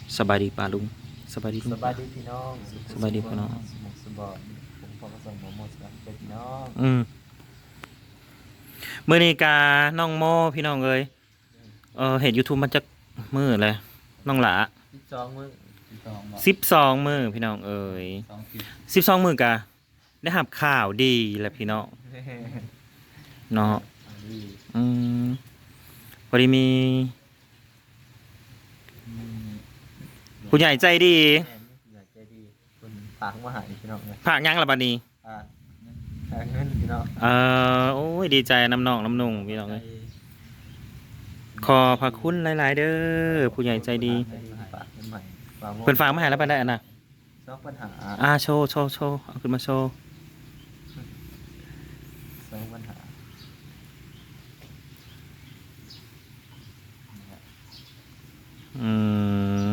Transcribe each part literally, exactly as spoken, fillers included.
สบายดีป่าลุงสบายดีลุงสบายดีพี่น้องสบายดีพี่น้องสมุกสบายผมพอผสมโมโมสกับพี่น้องอืมมื้อนี้กาน้องโมพี่น้องเอ้ยเออเห็น YouTube มันจักมื้อเลยน้องหลาสิบสองมื้อสิบสองบ่สิบสองมื้อพี่น้องเอ้ยสองคลิปสิบสองมื้อกะได้รับข่าวดีแหละพี่น้องเนาะดีอืมพอดีมีผู้ใหญ่ใจดีแม่นี่อยากใจดีคุณฝากมาหาพี่น้องเลยฝากหยังล่ะบัดนี้ฝากฝากเงินพี่น้องเออโอ้ยดีใจน้ำน้องน้ำนุ่งพี่น้องเอ้ยขอพระคุณหลายๆเด้อผู้ใหญ่ใจดีฝากเงินใหม่ฝากเพิ่นฝากมาให้แล้วบัดได้อันน่ะสองปัญหาอ่าโชว์โชว์โชว์เอาขึ้นมาโชว์สองปัญหาอืม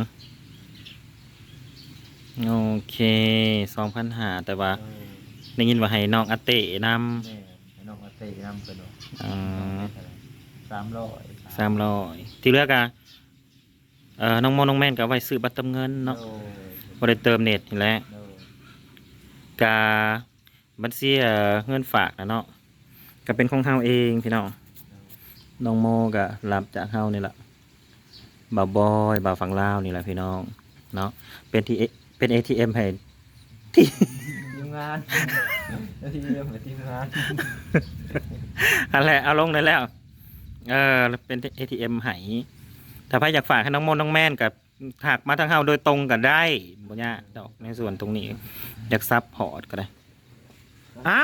โอเคสองพันหาแต่ว่าเออได้ยินว่าให้น้องอาเต้นแม่ให้น้องมาเตะน้ำกระโดดำอ่าสามร้อยสามร้อยที่เหลือกะเอ่อน้องโมน้องแม่นก็เอาไว้ซื้อบัตรเติมเงินเนาะโอ้บ่ได้เติมเน็ตนี่แหละโดกาบัญชีเอ่อเงินฝากนะเนาะก็เป็นของเฮาเองพี่น้องน้องโมก็รับจากเฮานี่แหละบ่าวบอยบ่าวฝั่งลาวนี่แหละพี่น้องเนาะเป็นที่เป็น เอ ที เอ็ม ให้ที่ทีมงานทีมเหมือนทีมงานอันแหละเอาลงได้แล้ว เออเป็น เอ ที เอ็ม ไหถ้าใครอยากฝากให้น้องมนน้องแม่นกับหักมาทางเฮาโดยตรงก็ได้บ่ยากดอกในส่วนตรงนี้ อยากซับพอร์ตก็ได้ อ้าว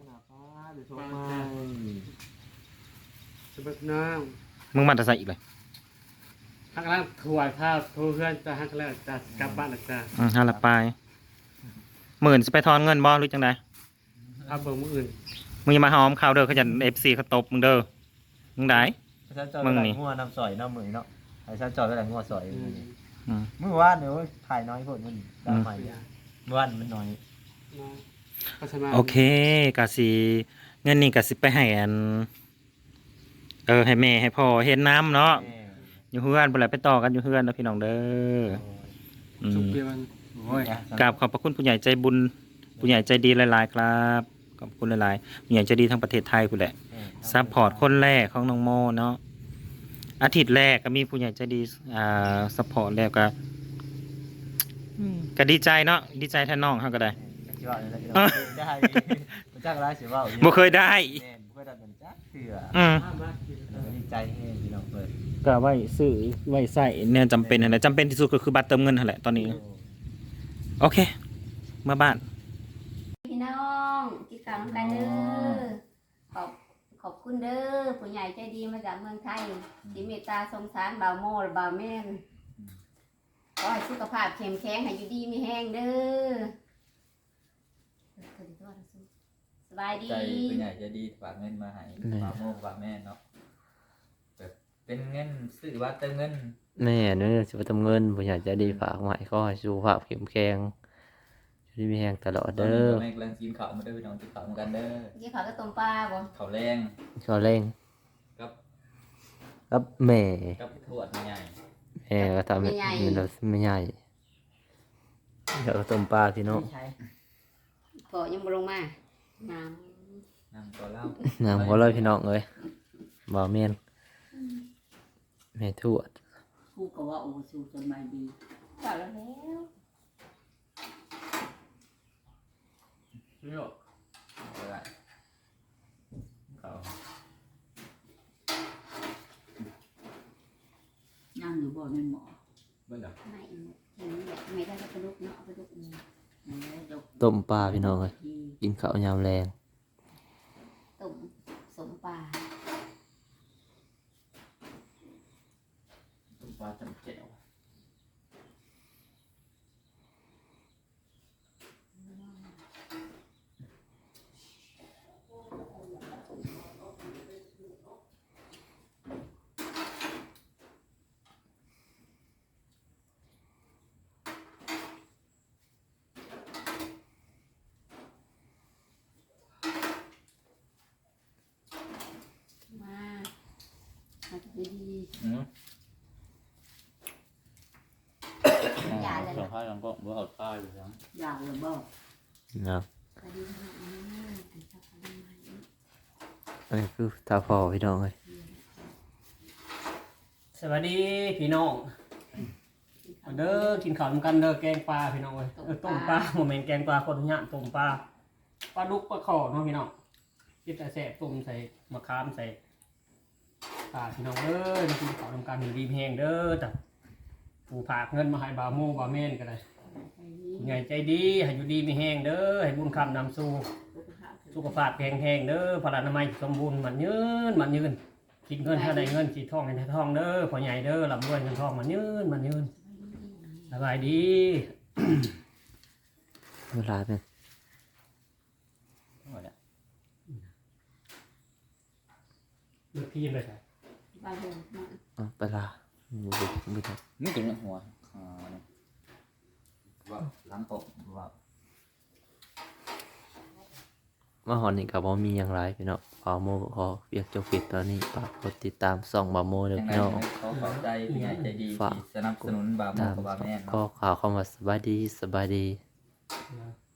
สบักน้องมึงมาแต่ใส่อีกเลยฮักแล้วถวายข้าวทูเพื่อนจะฮักแล้วจะกลับบ้านหรือจะอืมห้าละปลายหมื่นสิไปทอนเงินบ่หรือจังไดเอาเบอร์มืออื่นมึงอย่ามาหอมข่าวเด้อเขาจะ เอฟ ซี เขาตบมึงเด้อมึงได้ไอ้ชาจอยไปไหนงัวน้ำสอยน้ำมือเนาะไอ้ชาจอยไปไหนงัวสอยอืมเมื่อวานเดี๋ยวถ่ายน้อยคนมันดาวใหม่เมื่อวานมันน้อยนะพัฒนาโอเคกะสิเงินนี่กะสิไปให้อันเออให้แม่ให้พ่อเฮ็ดน้ำเนาะแม่อยู่เฮือนบ่แล้วไปต่อกันอยู่เฮือนเด้อพี่น้องเด้ออืสุกมเปียมันโอ้ยกราบขอบพระคุณผู้ใหญ่ใจบุญผู้ใหญ่ใจดีหลายๆครับขอบคุณหลายๆผู้ใหญ่ใจดีทั้งประเทศไทยพุ่นแหละซัพพอร์ตคนแรกของน้องโมเนาะอาทิตย์แรกก็มีผู้ใหญ่ใจดีอ่าซัพพอร์ตแล้วก็อืมก็ดีใจเนาะดีใจแทนน้องเฮาก็ได้ชิว่าอะไรได้มันจ้างร้ายเสียว่าบ่เคยได้แม่บ่เคยได้เงินจ้าเถื่ออืมห้ามมากินดีใจให้พี่น้องเปิดก็ไว้ซื้อไว้ใส่เนี่ยจำเป็นนั่นแหละจำเป็นที่สุดก็คือบัตรเติมเงินนั่นแหละตอนนี้โอเคมาบ้านพี่น้องกินข้าวน้ำกันเด้อขอบขอบคุณเด้อผู้ใหญ่ใจดีมาจากเมืองไทยที่เมตตาสงสารบ่าวโมและบ่าวแม่นขอให้สุขภาพเข้มแข็งให้อยู่ดีมีแห้งเด้อสบายดีใจเป็นใหญ่จะดีฝากเงินมาให้ฝากโมงฝากแม่เนาะแบบเป็นเงินซื้อว่าเติมเงินแม่เนี่ยจะไปทำเงินผมอยากจะดีฝากไว้ก็ให้สุขภาพเข้มแข็งช่วยมีแรงตลอดตอนเด้นี้อก็แม่กำลังกินข้าวมาด้วยพี่น้องกินข้าวเหมือนกันเด้อกินข้าวก็ต้มปลาบ่ข้าวแรงก็เร่งกับครับแม่กับทวดใหญ่แม่ก็ทำให้มันเราไม่ใหญ่เดี๋ยวก็ต้มปลาพี่น้องพอยังบ่ลงมาน้น้ำตัวเหล้าน้ำก็เลยพี่น้องเลยบ่เมียนแม่ทวดผู้ก็ว่าโอ้สู้จนไม่ดีำข้าวแล้วแล้วพี่โยกเอาละข้าวนั่งอยู่บ่เป็นหมอเบิ้ลเหรอไม่เห็นแบบไม่ได้กระดูกเนาะกระดูกแล้วดอกต้มปลาพี่น้องเลยที่กินข้าวยามแรงต้มสมปลาต้มปลาจำแจ่วมามาดีอืมเลยสองข้างยังก็บ่เอาท่าอยู่ครับอยากเลยบ่เนาะสวัสดีค่ะอันนี้อันชอบทำอะไรอันนี้คือตาพ่อพี่น้องเลยสวัสดีพี่น้องมาเด้อกินข้าวนำกันเด้อแกงปลาพี่น้องเอ้ยเออต้มปลาโมเมนต์แกงปลาคนทุกอย่างต้มปลาปลาดุกปลาขอเนาะพี่น้องกินแต่แซ่บต้มใส่มะขามใส่ปลาพี่น้องเด้อมากินข้าวนำกันอยู่ดีแห้งเด้อแต่ผู้ผากเงินมาให้บาวโมบาวเมนก็ได้ผู้ใหญ่ใจดีให้อยู่ดีมีแห้งเด้อให้บุญคำนำสู่สุขภาพแข็งแรงเด้อพลานามัยสมบูรณ์มันยืนมันยืนคิดเงินเท่าใดเงินคิดทองให้ได้ทองเด้อพ่อใหญ่เด้อลำรวยเงินทองมันยืนมันยืนสบายดีเวลาเป็นหมดแล้วเลือกพี่เลยครับบ้านเดิมมาอ่ะเวลาบุบุบุบุนี่ตัวนี้หัวอ่าเนี่ยว่าหลังตกว่ามาหอนนี่กับบ่มีอย่างไรพี่น้องบาโมขอเรียกจบปิดตอนนี้ฝากกดติดตามส่องบาโมเด้อยังไงพี่น้องเขาขอบใจผู้ใหญ่ใจดีที่สนับสนุนบาโมตามกับบาแม่ก็เนาะข่าวเข้ามาสบายดีสบายดีนะ